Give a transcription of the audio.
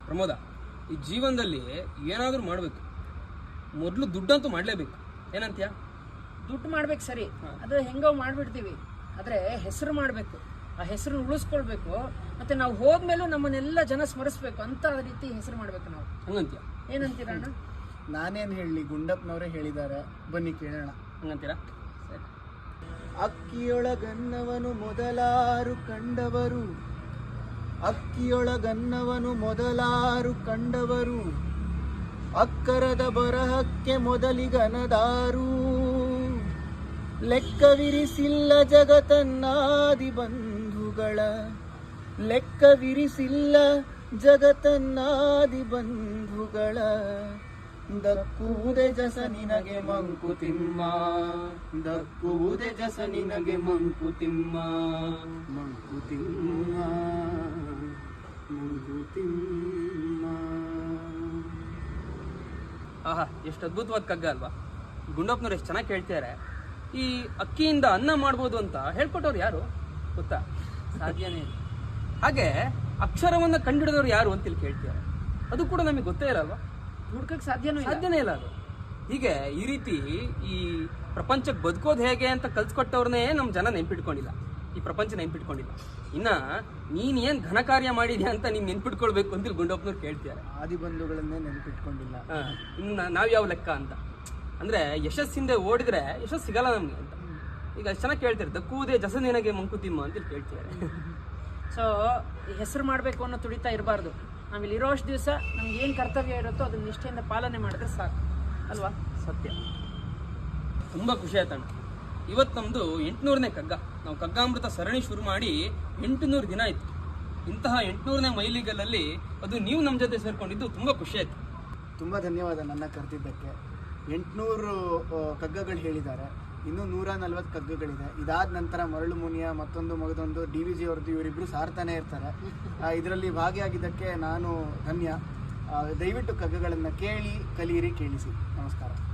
ಪ್ರಮೋದ, ಈ ಜೀವನದಲ್ಲಿ ಏನಾದರೂ ಮಾಡಬೇಕು, ಮೊದಲು ದುಡ್ಡಂತೂ ಮಾಡಲೇಬೇಕು. ಏನಂತೀಯ? ದುಡ್ಡು ಮಾಡ್ಬೇಕು ಸರಿ, ಅದು ಹೆಂಗೋ ಮಾಡ್ಬಿಡ್ತೀವಿ. ಆದರೆ ಹೆಸರು ಮಾಡಬೇಕು, ಆ ಹೆಸರು ಉಳಿಸ್ಕೊಳ್ಬೇಕು. ಮತ್ತೆ ನಾವು ಹೋದ್ಮೇಲೂ ನಮ್ಮನ್ನೆಲ್ಲ ಜನ ಸ್ಮರಿಸ್ಬೇಕು ಅಂತ ರೀತಿ ಹೆಸರು ಮಾಡಬೇಕು ನಾವು. ಹಂಗಂತೀಯ? ಏನಂತೀರ ಅಣ್ಣ? ನಾನೇನು ಹೇಳಲಿ, ಗುಂಡಪ್ಪನವರೇ ಹೇಳಿದ್ದಾರೆ, ಬನ್ನಿ ಕೇಳೋಣ. ಹಂಗಂತೀರಾ? ಸರಿ. ಅಕ್ಕಿಯೊಳಗನ್ನವನು ಮೊದಲಾರು ಕಂಡವರು, ಅಕ್ಕಿಯೊಳಗನ್ನವನು ಮೊದಲಾರು ಕಂಡವರು, ಅಕ್ಕರದ ಬರಹಕ್ಕೆ ಮೊದಲಿಗನದಾರು, ಲೆಕ್ಕವಿರಿಸಿಲ್ಲ ಜಗತನ್ನಾದಿ ಬಂಧುಗಳ, ಲೆಕ್ಕವಿರಿಸಿಲ್ಲ ಜಗತನ್ನಾದಿ ಬಂಧುಗಳ, ದಕ್ಕುವುದೇ ಜಸ ನಿನಗೆ ಮಂಕುತಿಮ್ಮ, ದಕ್ಕುವುದೇ ಜಸ ನಿನಗೆ ಮಂಕುತಿಮ್ಮ, ಮಂಕುತಿಮ್ಮ, ಮಂಕುತಿಮ್ಮ. ಆಹಾ, ಎಷ್ಟು ಅದ್ಭುತವಾದ ಕಗ್ಗ ಅಲ್ವಾ? ಗುಂಡಪ್ಪನವ್ರು ಎಷ್ಟು ಚೆನ್ನಾಗಿ ಕೇಳ್ತಾರೆ. ಈ ಅಕ್ಕಿಯಿಂದ ಅನ್ನ ಮಾಡ್ಬೋದು ಅಂತ ಹೇಳ್ಕೊಟ್ಟವ್ರು ಯಾರು ಗೊತ್ತಾ? ಸಾಧ್ಯನೇ ಇಲ್ಲ. ಹಾಗೆ ಅಕ್ಷರವನ್ನ ಕಂಡಿಡಿದವ್ರು ಯಾರು ಅಂತ ಇಲ್ಲಿ ಕೇಳ್ತಾರೆ, ಅದು ಕೂಡ ನಮಗೆ ಗೊತ್ತೇ ಇರಲ್ವಾ? ಹುಡ್ಕಕ್ಕೆ ಸಾಧ್ಯನೇ ಇಲ್ಲ ಅದು. ಹೀಗೆ ಈ ರೀತಿ ಈ ಪ್ರಪಂಚಕ್ಕೆ ಬದುಕೋದು ಹೇಗೆ ಅಂತ ಕಲ್ಸ್ಕೊಟ್ಟವ್ರನ್ನೇ ನಮ್ಮ ಜನ ನೆನ್ಪಿಟ್ಕೊಂಡಿಲ್ಲ, ಈ ಪ್ರಪಂಚ ನೆನ್ಪಿಟ್ಕೊಂಡಿಲ್ಲ. ಇನ್ನ ನೀನ್ ಏನ್ ಘನ ಕಾರ್ಯ ಮಾಡಿದ್ಯಾ ಅಂತ ನೀನ್ ನೆನ್ಪಿಟ್ಕೊಳ್ಬೇಕು ಅಂತ ಗುಂಡಪ್ಪನವ್ರು ಕೇಳ್ತಾರೆ. ಆದಿ ಬಂಧುಗಳನ್ನೇ ನೆನ್ಪಿಟ್ಕೊಂಡಿಲ್ಲ. ಇನ್ನು ನಾವ್ಯಾವ ಲೆಕ್ಕ ಅಂತ ಅಂದ್ರೆ, ಯಶಸ್ಸಿಂದ ಓಡಿದ್ರೆ ಯಶಸ್ಸು ಸಿಗಲ್ಲ ನಮ್ಗೆ ಅಂತ. ಈಗ ಅಷ್ಟು ಚೆನ್ನಾಗಿ ಕೇಳ್ತಾರೆ, ದಕ್ಕುವುದೇ ಜಸ ನಿನಗೆ ಮಂಕುತಿಮ್ಮ ಅಂತ ಕೇಳ್ತಾರೆ. ಸೊ ಹೆಸರು ಮಾಡಬೇಕು ಅನ್ನೋ ತುಡಿತಾ ಇರಬಾರ್ದು. ನಾವಿಲ್ಲಿ ಇರೋಷ್ಟು ದಿವಸ ನಮ್ಗೆ ಏನು ಕರ್ತವ್ಯ ಇರುತ್ತೋ ಅದನ್ನ ನಿಷ್ಠೆಯಿಂದ ಪಾಲನೆ ಮಾಡಿದ್ರೆ ಸಾಕು ಅಲ್ವಾ? ಸತ್ಯ. ತುಂಬಾ ಖುಷಿ ಆಯ್ತಣ್ಣ. ಇವತ್ತು ನಮ್ದು 800ನೇ ಕಗ್ಗ. ನಾವು ಕಗ್ಗಾಮೃತ ಸರಣಿ ಶುರು ಮಾಡಿ 800 ದಿನ ಆಯ್ತು. ಇಂತಹ 800ನೇ ಮೈಲಿಗಲ್ಲಲ್ಲಿ ಅದು ನೀವು ನಮ್ಮ ಜೊತೆ ಸೇರ್ಕೊಂಡಿದ್ದು ತುಂಬಾ ಖುಷಿ ಆಯ್ತು. ತುಂಬ ಧನ್ಯವಾದ ನನ್ನ ಕರೆದಿದ್ದಕ್ಕೆ. 800 ಕಗ್ಗಗಳು ಹೇಳಿದ್ದಾರೆ, ಇನ್ನೂ 140 ಕಗ್ಗಗಳಿದೆ. ಇದಾದ ನಂತರ ಮರಳು ಮುನಿಯ ಮತ್ತೊಂದು ಮಗದೊಂದು DVG ಅವ್ರದ್ದು ಇವರಿಬ್ಬರು ಸಾರ್ತಾನೆ ಇರ್ತಾರೆ. ಇದರಲ್ಲಿ ಭಾಗಿಯಾಗಿದ್ದಕ್ಕೆ ನಾನು ಧನ್ಯ. ದಯವಿಟ್ಟು ಕಗ್ಗಗಳನ್ನು ಕೇಳಿ, ಕಲಿಯಿರಿ, ಕೇಳಿಸಿ. ನಮಸ್ಕಾರ.